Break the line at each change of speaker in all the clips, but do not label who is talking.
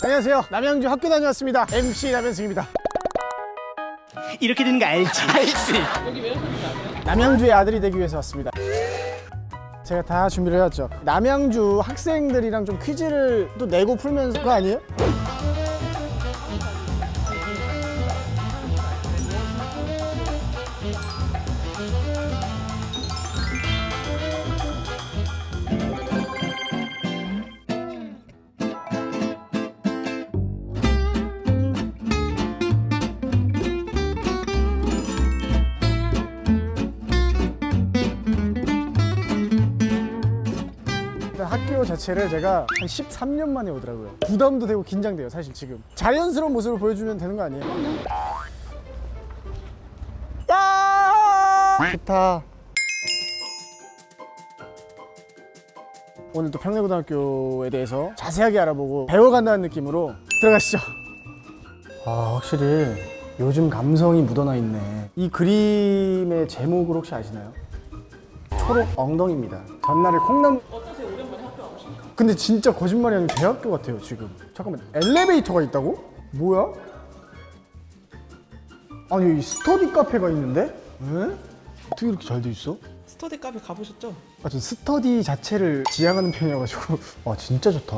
안녕하세요. 남양주 학교 다녀왔습니다. MC 남현승입니다.
이렇게 되는 거 알지?
남양주의 아들이 되기 위해서 왔습니다. 제가 다 준비를 해왔죠. 남양주 학생들이랑 좀 퀴즈를 또 내고 풀면서 그거 아니에요? 학교 자체를 제가 한 13년 만에 오더라고요. 부담도 되고 긴장돼요, 사실 지금. 자연스러운 모습을 보여주면 되는 거 아니에요? 야! 좋다. 오늘 또 평내고등학교에 대해서 자세하게 알아보고 배워간다는 느낌으로 들어가시죠. 아, 확실히 요즘 감성이 묻어나 있네. 이 그림의 제목을 혹시 아시나요? 초록 엉덩이입니다. 전날에 콩나물. 근데 진짜 거짓말이 아니고 대학교 같아요 지금. 잠깐만, 엘리베이터가 있다고? 뭐야? 아니 여기 스터디 카페가 있는데? 에? 어떻게 이렇게 잘 돼 있어?
스터디 카페 가보셨죠?
아, 전 스터디 자체를 지향하는 편이어가지고 와 진짜 좋다.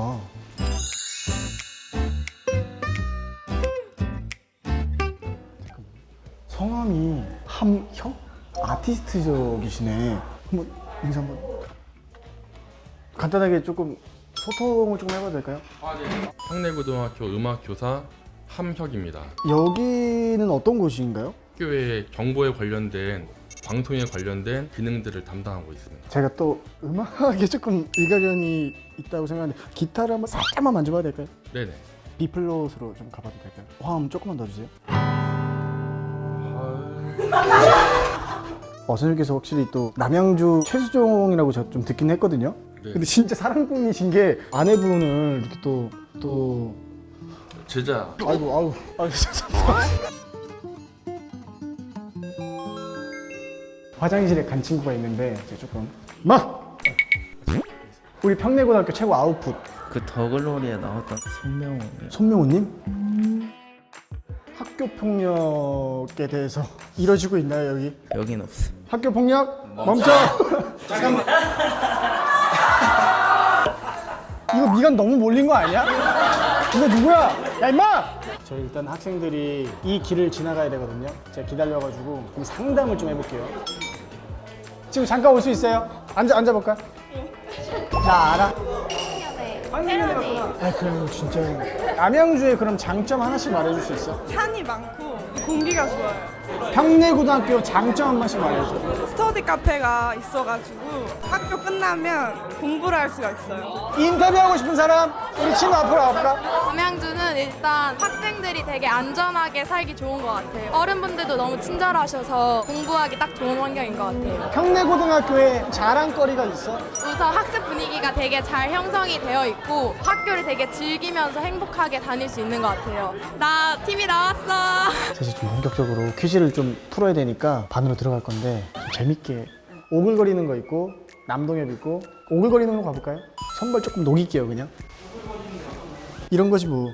잠깐만. 성함이 함혁? 아티스트적이시네. 한번 인사 한번. 간단하게 조금 소통을 좀 해봐도 될까요?
평내고등학교 음악교사 함혁입니다.
여기는 어떤 곳인가요?
학교의 정보에 관련된 방송에 관련된 기능들을 담당하고 있습니다.
제가 또 음악에 조금 일가견이 있다고 생각하는데 기타를 한번 살짝만 만져봐도 될까요?
네네.
B플롯으로 좀 가봐도 될까요? 화음 조금만 더 주세요. 선생님께서 확실히 또 남양주 최수종이라고 제가 좀 듣긴 했거든요.
네.
근데 진짜 사랑꾼이신 게 아내분을 이렇게 또
제자.
아이고 죄송합니다. 화장실에 간 친구가 있는데 제가 조금 우리 평내고등학교 최고 아웃풋
그 더글로리에 나왔던 손명호.
손명호님? 학교 폭력에 대해서 이뤄지고 있나요 여기?
여긴 없어.
학교 폭력 멈춰! 잠깐만. 이거 미간 너무 몰린 거 아니야? 이거 누구야? 야 임마! 저희 일단 학생들이 이 길을 지나가야 되거든요. 제가 기다려가지고 그럼 상담을 좀 해볼게요. 지금 잠깐 올 수 있어요? 앉아볼까? 나 알아? 아 그럼 진짜 남양주의 그럼 장점 하나씩 말해줄 수 있어?
산이 많고 공기가 좋아요.
평내고등학교 장점 한 번씩 말해줘.
스터디 카페가 있어가지고 학교 끝나면 공부를 할 수가 있어요.
인터뷰하고 싶은 사람? 우리 친구 앞으로 와볼까?
남양주는 일단 학생들이 되게 안전하게 살기 좋은 것 같아요. 어른분들도 너무 친절하셔서 공부하기 딱 좋은 환경인 것 같아요.
평내고등학교에 자랑거리가 있어?
우선 학습 분위기가 되게 잘 형성이 되어 있고 학교를 되게 즐기면서 행복하게 다닐 수 있는 것 같아요. 나 TV 나왔어.
사실 좀 본격적으로 퀴즈를 좀 풀어야 되니까 반으로 들어갈 건데 좀 재밌게 오글거리는 거 있고 남동엽 있고 오글거리는 거 가볼까요? 선발 조금 녹일게요 그냥. 이런 거지 뭐.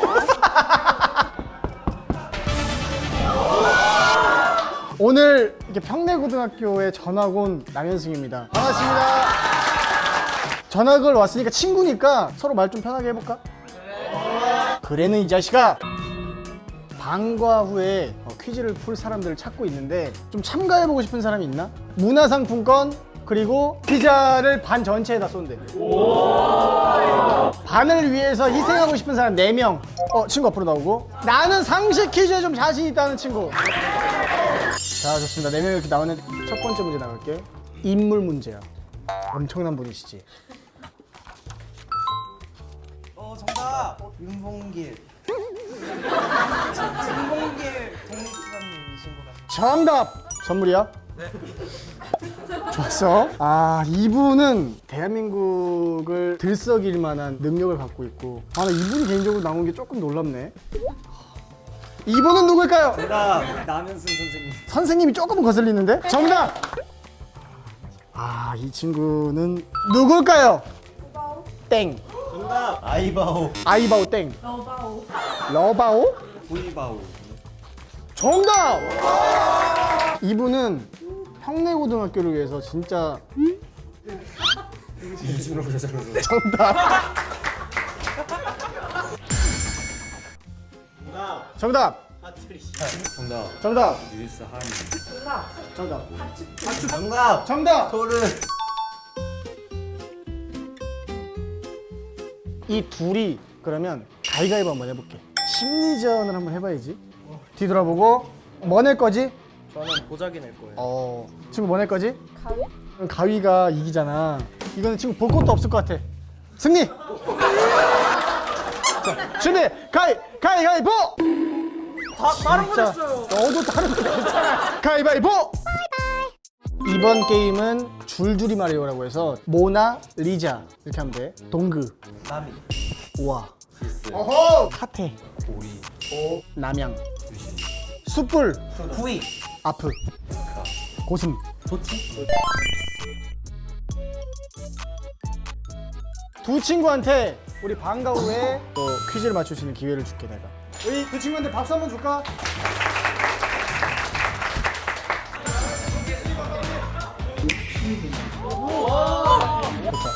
오늘 이렇게 평내고등학교에 전학 온 남현승입니다. 반갑습니다. 전학을 왔으니까 친구니까 서로 말 좀 편하게 해볼까? 그래는 이 자식아. 방과 후에 퀴즈를 풀 사람들을 찾고 있는데 좀 참가해보고 싶은 사람이 있나? 문화상품권 그리고 피자를 반 전체에다 쏜대. 반을 위해서 희생하고 싶은 사람 4명. 친구 앞으로 나오고. 나는 상식 퀴즈에 좀 자신 있다는 친구. 자, 좋습니다. 4명 이렇게 나왔는데 첫 번째 문제 나갈게. 인물 문제야. 엄청난 분이시지.
정답. 윤봉길. 윤봉길 독립수사님이신 것 같아요.
정답! 선물이야? 네. 좋았어. 이분은 대한민국을 들썩일 만한 능력을 갖고 있고 나 이분이 개인적으로 나온 게 조금 놀랍네. 이분은 누굴까요?
정답. 남현승 선생님.
선생님이 조금 거슬리는데? 정답! 이 친구는 누굴까요? 땡.
정답. 아이바오.
아이바오 땡. 러바오?
보이바오.
정답! 이분은 평내고등학교를 위해서 진짜 정답. 정답.
정답.
정답.
뉴스 한.
정답.
정답.
정답.
토르.
이 둘이 그러면 가위가위보 한번 해볼게. 심리전을 한번 해봐야지. 뒤돌아보고 뭐 낼 거지?
저는 보자기 낼 거예요.
친구 뭐 낼 거지? 가위. 가위가 이기잖아. 이거는 친구 볼 것도 없을 것 같아. 승리. 자, 준비. 가위가위보.
다른
자, 너도 다른 거 괜찮아. 가위바위보. 이번 게임은 줄줄이 마리오라고 해서 모나 리자 이렇게 하면 돼. 동그.
나미.
우와.
시스.
어허. 카테.
오리.
남양. 숯불.
후이.
아프. 고슴.
도치.
두 친구한테 우리 방과 후에 또 퀴즈를 맞출 수 있는 기회를 줄게 내가. 우리 두 친구한테 박수 한번 줄까? 좋다.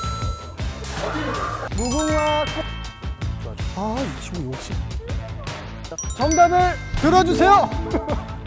무궁화 꽃. 좋아, 좋아. 이 친구 욕심. 정답을 들어주세요.